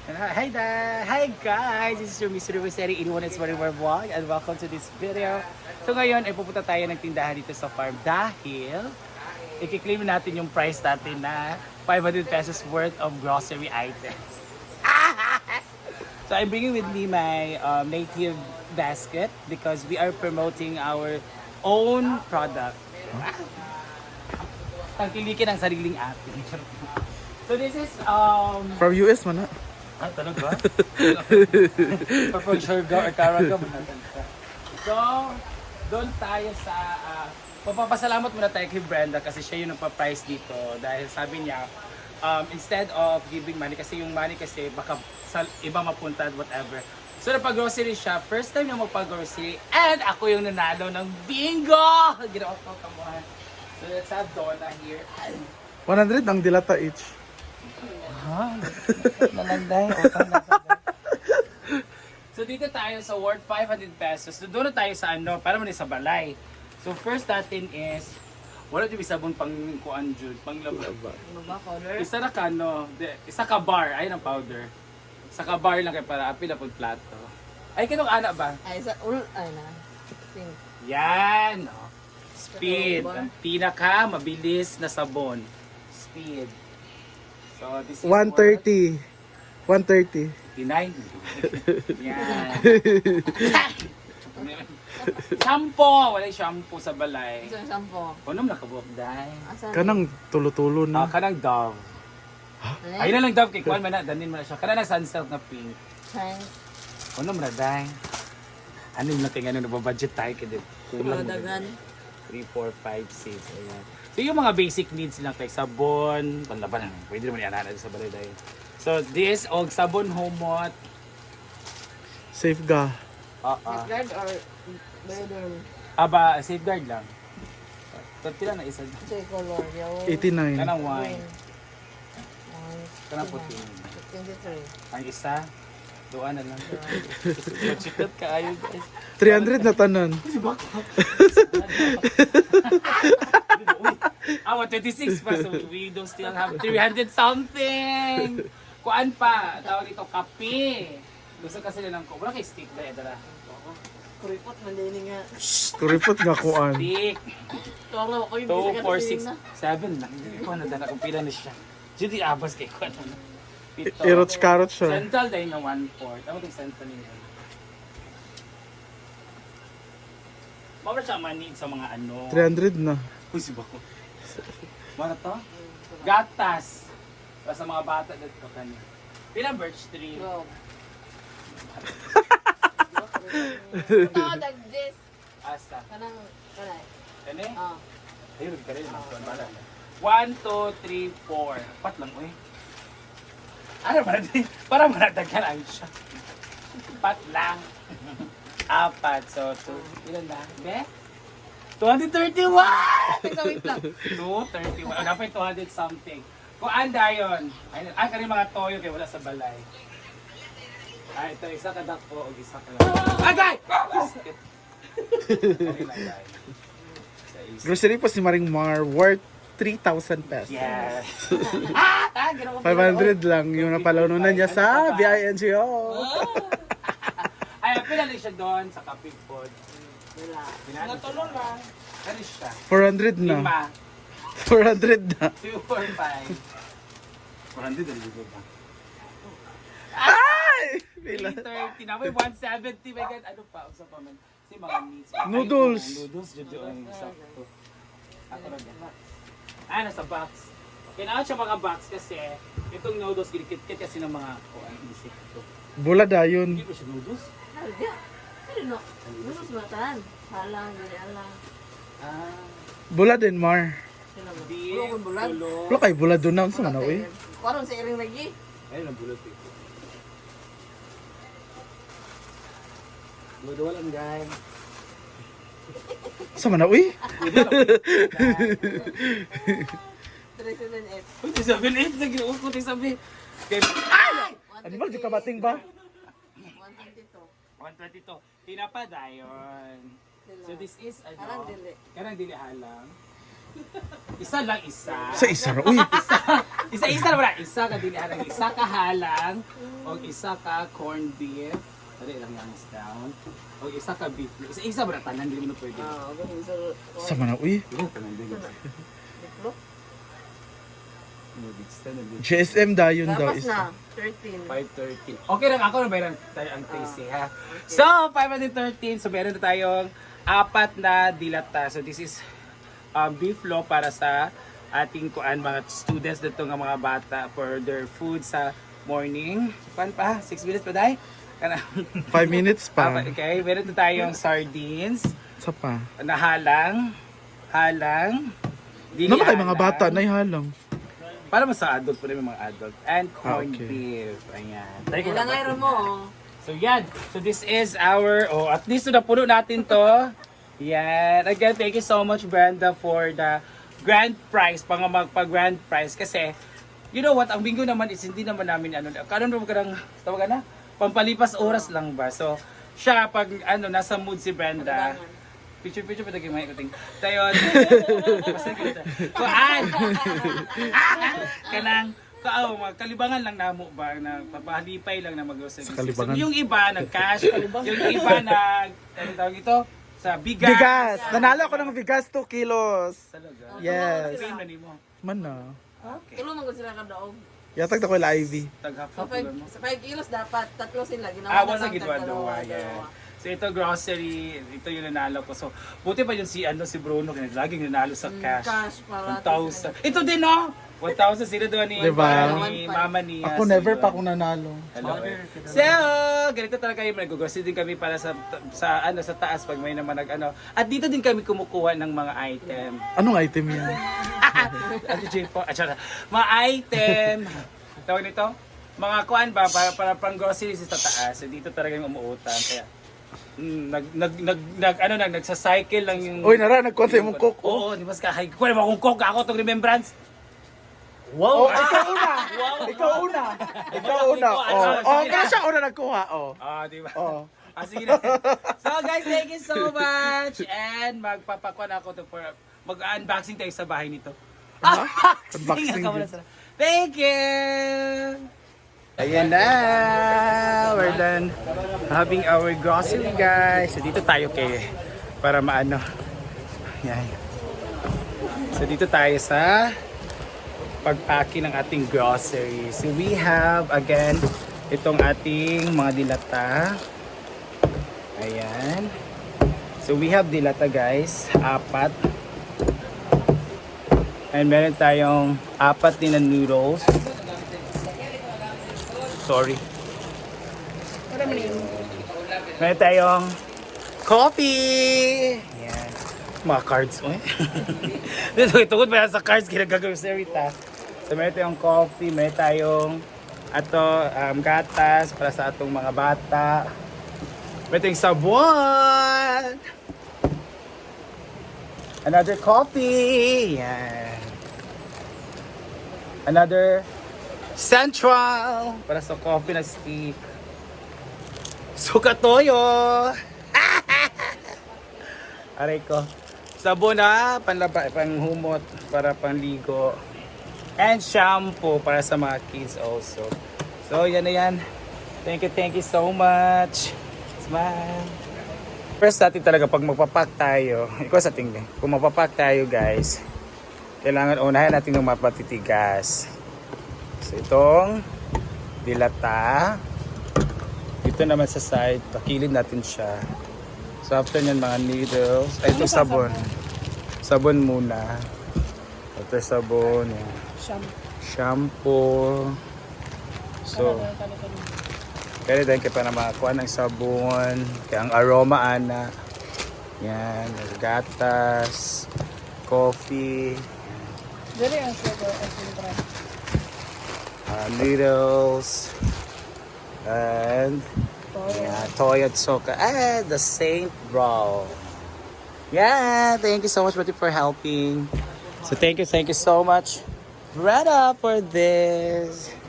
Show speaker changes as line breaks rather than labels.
Hi there! Hi guys! This is your Mr. Roseri, 81 and 24 vlog and welcome to this video. So ngayon ay pupunta tayo ng tindahan dito sa farm dahil i-claim natin yung price natin na 500 pesos worth of grocery items. So I'm bringing with me my native basket because we are promoting our own product. Tangkilikin ang sariling atin. So this is
From US man na.
tanong ba? Purple sugar or caraga mo natin siya. So, doon tayo sa papapasalamat muna tayo kay Brenda kasi siya yung nagpa-price dito dahil sabi niya instead of giving money kasi yung money kasi baka sa iba mapunta at whatever. So napag-grocery siya, first time niya magpag-grocery and ako yung nanalo ng bingo! Ginawa ko kamuhan. So let's have Donna here.
100 ang dilata each.
Ha? Nalanday. So dito tayo sa worth 500 pesos. So doon na tayo sa ano, para mo sa balay. So first natin is, wala yung sabon pang kuan jud, pang laba. Isa na ka no, isa ka bar, ayun ang powder. Isa ka bar lang kay para apil na pud plato. Ay kinong ana ba?
Ay, sa ay na. Pink.
Yan. No. Speed. Ang pinaka mabilis na sabon. Speed. So this is
130. 130.
59. Yan. Shampoo! Wala yung shampoo sa balay.
Isang sampo.
Kunom nakabuok dahil.
Asan?
Kanang tulo-tulo na.
Kanang Dove. Ayun na lang Dove kay Kuan man na, danin mo na siya. Kanang sunsilk na pink.
Thanks.
Kunom na dahil. Ano yung natin ano, nababudget tayo kaya kulang mo.
Dagan.
3, 4, 5, 6. Ayan. So yung mga basic needs lang kay sabon, panlaban, pwede naman yan sa balay dahil. So this, og sabon humot.
Safeguard.
Safeguard or bedroom?
Aba, safeguard lang. Pila na isa.
Ito yung color. Yung
89.
Kanang wine.
One,
Kanang puti.
23.
Ang isa, doon na lang. Chikat ka ayo guys.
300 na tanan.
Ah, 26 pa. So we don't still have 300 something. Kuan pa, tawag dito kape. Gusto kasi nila ng ko. Wala kay stick ba dala.
Kuripot, mandini nga.
Kuripot nga kuan.
Stick.
Tuwang ako yung
2, 4, 6, 7 lang. Hindi ko na dala kung pila na siya. Judy abas kay kuan. Pito.
Irots-karot siya.
Central dahil na 1/4. Ano yung central niya? Mawala siya manid sa mga ano.
300 na.
Uy, si Bako. Mana to? Gatas. Para sa mga bata dito kanya. Pila birch tree.
Go. No, like this.
Asa.
Kanang, kanay.
Kani?
Ah.
Ayun, ka rin. 1, 2, 3, 4. Pat lang, uy. Ano ba natin? Para manatagkan ang siya. Pat lang. Apat. So, 2. Ilan na? Be? 231!
Wait lang.
231. Ano pa yung 200 something. Kung anda yun. Ay, kanina mga toyo kayo wala sa balay. Ay, ito. Isa ka dako o isa ka lang. Agay! Okay lang, guys.
Grocery po si Maring Mar worth 3,000 pesos.
Yes. Ginawa ko.
500 lang yung napalanunan niya sa BINGO.
Ay, pinalik siya doon sa kapig pod.
Wala.
Natulong lang. Kani siya.
400 na. 400 na.
2, 4, 5. 400 ang libo ba?
Ay! Pila.
330. Namoy 170. My God, ano pa? Usa pa man. Si mga needs.
Noodles.
Ay, noodles. Dito ang sakto. Ako lang yan. Ah, nasa box. Kailangan siya mga box kasi itong noodles, ginikit-kit kasi ng mga isip ito.
Bula dayon.
Hindi ba siya noodles?
Ano? Lulus matan. Halang, gini alang.
Ah.
Bula din Mar.
Di.
Bulo kong bulag.
Wala kay bula doon na sa manawi.
Parang sa iring lagi.
Ayun ang bulot ito. Ludo lang guys.
Sa manawi?
378.
Uy, sabi na ito. Nag-iuot ko sabi.
Ay! Ano ba? Di ka bating ba?
122.
122. Tinapa dayon. So this is ano?
Karang dili.
Karang dili halang. Isa lang isa.
Sa isa ra. Uy,
Isa na wala. Isa ka dili arang isa ka halang o isa ka corned beef. Dali lang yang down. O isa ka beef. Isa ba na tanan dili mo pwede.
Ganun sa...
sa mana uy.
Dili tanan dili.
Diplok.
GSM dayon daw
Tapos
isa.
na. 13.
513. Okay lang ako na bayran tayo ang tasty ha. So 513 so meron na tayong apat na dilata. So this is beef law para sa ating mga students dito nga mga bata for their food sa morning. Pan pa? 6 minutes pa dai?
5 minutes pa.
Okay, meron na tayong sardines
Sa pa.
na halang. Dili
Ano ba kay mga
halang.
bata na halang?
Para mas sa adult po rin mga adult. And corned
okay.
beef. Ayan. Try ko
Ilang
na.
ayro mo.
So yan. So this is our, at least na puno natin to. Yan. Again, thank you so much Brenda for the grand prize, magpa-grand prize. Kasi, you know what, ang bingo naman is hindi naman namin karon mo ka ng, tawag na, pampalipas oras lang ba. So, siya pag nasa mood si Brenda, picture pa tayo may kuting. Tayon. Kuan. Kanang kalibangan lang namo ba na papahalipay lang na mag-grocery.
Sa kalibangan.
So, yung iba nag-cash, yung iba tawag ito sa bigas.
Bigas! Nanalo ako ng bigas 2 kilos.
Talaga.
Yes.
Pay na nimo.
Man na.
Okay.
Tulong mo sila ka daog.
Yatag na ko la Ivy.
Tag-half
Sa
mo.
5 kilos dapat, tatlo sila. Ginawa
Wasa
lang
gidwa
dalawa.
yeah. So ito grocery, ito yung nanalo ko. So buti pa yun si Bruno, laging nanalo sa cash.
Cash para.
1,000. Ito din no? 1,000 sila doon ni,
Diba?
ni mama niya.
Ako never pa akong nanalo.
Hello. So, ganito talaga yung nag-grocery din kami para sa taas pag may naman At dito din kami kumukuha ng mga item.
Anong item yan?
Ano J4? Mga item. Tawag nito? Mga kuan ba para pang groceries sa taas. So, dito talaga yung umuutang kaya nagsa-cycle lang yung
Nagkuhan sa imong cook.
Oo, di ba ka kuha mo akong coke ako tong remembrance.
Oh, ikaw una. Ikaw una. Ikaw una. Kaya siya una nagkuha.
Di ba? Sige na. So guys, thank you so much. And magpapakuan ako to for mag-unboxing tayo sa bahay nito.
Unboxing
Ako
din.
muna sila. Thank you! Ayan na! We're done having our grocery guys. So dito tayo para maano. Yan. So dito tayo sa pagpacking ng ating groceries. So we have again itong ating mga dilata. Ayan. So we have dilata guys, 4. And meron tayong 4 din na noodles. Sorry. Meron tayong coffee. Ayan. Mga cards mo Tungkol pa sa cards, ginagagawin ta. So meron tayong coffee, meron tayong gatas para sa atong mga bata. Meron tayong sabon. Another coffee. Yan. Another Central para sa coffee na stick. Suka toyo. Aray ko. Sabon na panghumot para panligo. And shampoo para sa mga kids also. So yan na yan. Thank you so much. Smile. First natin talaga pag magpapak tayo, ikaw sa tingin, kung magpapak tayo guys, kailangan unahin natin ng mapatitigas. So itong dilata, dito naman sa side, pakilid natin siya. So after nyan mga needles, ito sabon. Sabon muna. Ito sabon. Shampoo. So, kaya din kayo pa na makakuha ng sabon. Kaya ang aroma ana. Yan, gatas, coffee.
Dali ang sugar.
Noodles. And toy at soka. The Saint Bro. Yeah, thank you so much, Betty, for helping. So thank you so much, Brenda, for this.